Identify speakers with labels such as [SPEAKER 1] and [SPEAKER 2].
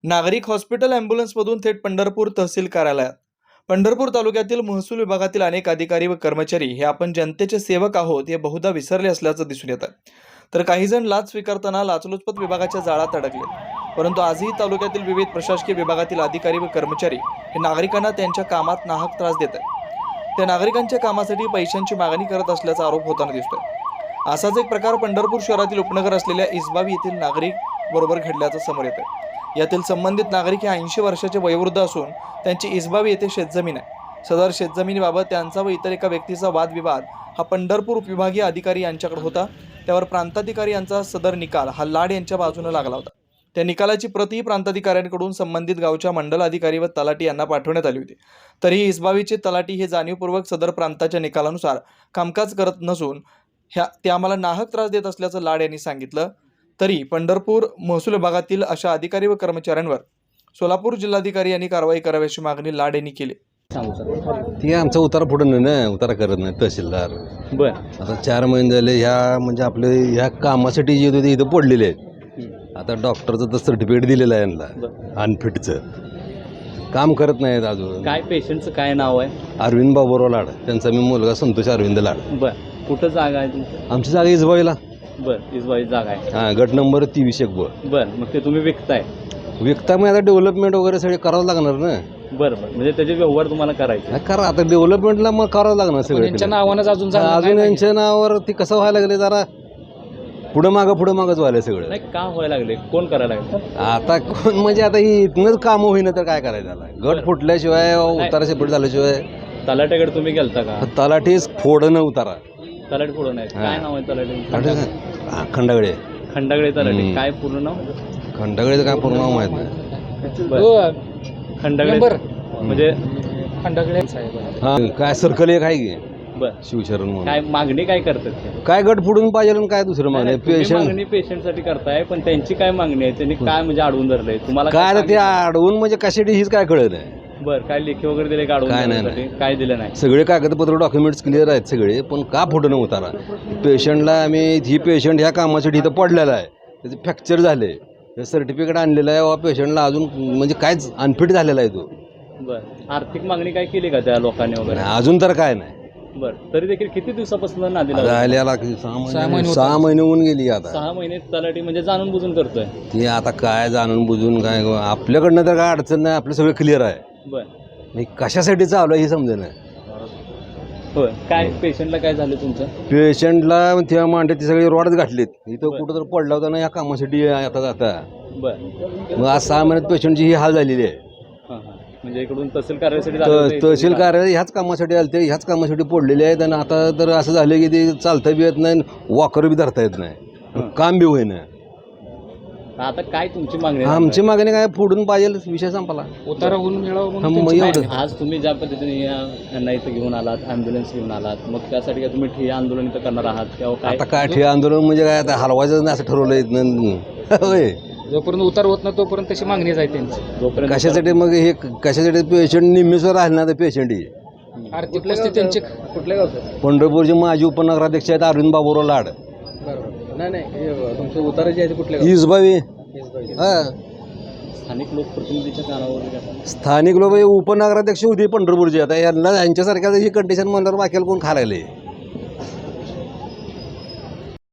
[SPEAKER 1] नागरिक हॉस्पिटल ॲम्ब्युलन्समधून थेट पंढरपूर तहसील कार्यालयात. पंढरपूर तालुक्यातील महसूल विभागातील अनेक अधिकारी व कर्मचारी हे आपण जनतेचे सेवक आहोत हे बहुधा विसरले असल्याचं दिसून येत आहे. तर काही जण लाच स्वीकारताना लाचलुचपत विभागाच्या जाळात अडकले. परंतु आजही तालुक्यातील विविध प्रशासकीय विभागातील अधिकारी व कर्मचारी हे नागरिकांना त्यांच्या कामात नाहक त्रास देत आहेत. त्या नागरिकांच्या कामासाठी पैशांची मागणी करत असल्याचा आरोप होताना दिसतोय. असाच एक प्रकार पंढरपूर शहरातील उपनगर असलेल्या इसबावी येथील नागरिक बरोबर घडल्याचं समोर येत आहे. यातील संबंधित नागरिक हे 80 वर्षाचे वयोवृद्ध असून त्यांची इसबावी येथे शेतजमीन आहे. सदर शेतजमिनीबाबत त्यांचा व इतर एका व्यक्तीचा वादविवाद हा पंढरपूर उपविभागीय अधिकारी यांच्याकडे होता. त्यावर प्रांताधिकारी यांचा सदर निकाल हा लाड यांच्या बाजूने लागला होता. त्या निकालाची प्रति प्रांताधिकाऱ्यांकडून संबंधित गावच्या मंडल अधिकारी व तलाठी यांना पाठवण्यात आली होती. तरीही इसबावीचे तलाठी हे जाणीवपूर्वक सदर प्रांताच्या निकालानुसार कामकाज करत नसून ते आम्हाला नाहक त्रास देत असल्याचं लाड यांनी सांगितलं. तरी पंढरपूर महसूल विभागातील अशा अधिकारी व कर्मचाऱ्यांवर सोलापूर जिल्हाधिकारी यांनी कारवाई करावी अशी मागणी लाड यांनी केली.
[SPEAKER 2] ती आमचा उतारा पुढे नाही ना, उतारा करत नाही तहसीलदार. आता 4 महिने झाले ह्या म्हणजे आपले ह्या कामासाठी जे होते इथं पडलेले आहेत. आता डॉक्टरचं तर सर्टिफिकेट दिलेलं आहे यांना अनफिटचं. काम करत नाहीत अजून.
[SPEAKER 3] काय पेशंटचं काय नाव आहे?
[SPEAKER 2] अरविंद बाबूराव लाड. त्यांचा मी मुलगा संतोष अरविंद लाड.
[SPEAKER 3] कुठं जागा आहे तुमची?
[SPEAKER 2] आमची जागा इसबाईला.
[SPEAKER 3] इसबाई जागा आहे.
[SPEAKER 2] हां, गट नंबर 23
[SPEAKER 3] मग ते तुम्ही विकताय?
[SPEAKER 2] विकता मग आता डेव्हलपमेंट वगैरे सगळे करावं लागणार ना.
[SPEAKER 3] बरं म्हणजे त्याचे व्यवहार तुम्हाला करायचे?
[SPEAKER 2] करा आता डेव्हलपमेंटला मग करावं लागणार सगळं.
[SPEAKER 3] त्यांच्या नावानंच
[SPEAKER 2] अजून यांच्या नावावर ती कसं व्हायला लागले जरा पुढं मागंच व्हायला सगळं.
[SPEAKER 3] नाही का व्हायला लागले? कोण करायला लागले?
[SPEAKER 2] आता कोण म्हणजे आता ही इथनंच कामं होईना तर काय करायचं त्याला. गट फुटल्याशिवाय उतारा सेपरेट झाल्याशिवाय.
[SPEAKER 3] तलाट्याकडे तुम्ही गेलता का?
[SPEAKER 2] तलाठीच फोडणं उतारा.
[SPEAKER 3] तलाठी फोडून आहे. काय नाव आहे तलाठी?
[SPEAKER 2] खंडागळे.
[SPEAKER 3] खंडागळे तलाठी. काय पूर्ण नाव?
[SPEAKER 2] खंडागळेचं काय पूर्ण नाव माहित नाही.
[SPEAKER 3] खंडागळे म्हणजे खंडागळे साहेब.
[SPEAKER 2] हा, काय सर्कल एक आहे की शिवशरण म्हणून.
[SPEAKER 3] काय मागणी काय करतात?
[SPEAKER 2] काय गट फोडून पाहिजे आणि काय दुसरं मागणी?
[SPEAKER 3] पेशंटसाठी करताय पण त्यांची काय मागणी आहे? त्यांनी काय म्हणजे अडवून धरलंय तुम्हाला?
[SPEAKER 2] काय ते अडवून म्हणजे कशासाठी हीच काय कळत नाही.
[SPEAKER 3] काय लेखी वगैरे दिले का?
[SPEAKER 2] काय नाही,
[SPEAKER 3] काय दिलं नाही.
[SPEAKER 2] सगळे कागदपत्र डॉक्युमेंट्स क्लिअर आहेत सगळे, पण का फोटो उतारा? पेशंटला आम्ही ही पेशंट ह्या कामासाठी इथं पडलेला आहे, त्याचे फ्रॅक्चर झाले, सर्टिफिकेट आणलेलं आहे, पेशंटला अजून म्हणजे कायच अनफिट झालेला आहे तो.
[SPEAKER 3] आर्थिक मागणी काय केली का त्या लोकांनी वगैरे?
[SPEAKER 2] अजून तर काय नाही.
[SPEAKER 3] तरी देखील किती दिवसापासून नादीला?
[SPEAKER 2] 6 महिने होऊन गेली. आता
[SPEAKER 3] 6 महिने तलाठी म्हणजे जाणून बुजून करतोय.
[SPEAKER 2] ती आता काय जाणून बुजून काय, आपल्याकडनं तर काय अडचण नाही, आपलं सगळं क्लिअर आहे. कशासाठी चालू आहे हे समजे नाही.
[SPEAKER 3] काय पेशंटला काय झालं तुमचं?
[SPEAKER 2] पेशंटला त्या मांडे ती सगळी रॉडच घातलीत. इथं कुठं तर पडला होता ना या कामासाठी आता जाता. मग आज 6 महिन्यात पेशंटची ही हाल झालेली आहे.
[SPEAKER 3] म्हणजे इकडून तहसील कार्यालयासाठी
[SPEAKER 2] तहसील कार्यालय ह्याच कामासाठी आलते, ह्याच कामासाठी पडलेले आहेत. आणि आता तर असं झालं की ते चालता बी येत नाही, वॉकर बी धरता येत नाही, काम बी होईना.
[SPEAKER 3] आता काय तुमची मागणी?
[SPEAKER 2] आमची मागणी काय फोडून पाहिजे, विषय संपला.
[SPEAKER 3] उतारा होऊन मिळावं. आज तुम्ही ज्या पद्धतीने यांना इथं घेऊन आलात, ॲम्ब्युलन्स घेऊन आलात, मग त्यासाठी काय तुम्ही ठिय्या आंदोलन इथं करणार आहात?
[SPEAKER 2] आता काय ठिय्या आंदोलन म्हणजे काय, आता हलवायचं नाही असं ठरवलं होय.
[SPEAKER 3] जोपर्यंत उतार होत नाही तोपर्यंत तशी मागणीच आहे त्यांची. जोपर्यंत
[SPEAKER 2] कशासाठी मग हे कशासाठी? पेशंट निम्मीसवर राहिले ना, तर पेशंट ही
[SPEAKER 3] आर्थिक परिस्थिती त्यांची. कुठल्या गावचं?
[SPEAKER 2] पंढरपूरचे माजी उपनगराध्यक्ष आहेत अरविंद बाबूराव लाड.
[SPEAKER 3] नाही तुमचे उतारा जे आहे कुठल्या?
[SPEAKER 2] इसबावी. हा,
[SPEAKER 3] स्थानिक लोकप्रतिनिधीच्या कानावर.
[SPEAKER 2] स्थानिक लोक उपनगराध्यक्ष होते पंढरपूरचे. आता यांना यांच्यासारख्या ही कंडिशन म्हणल्यावर बाकीला कोण खायला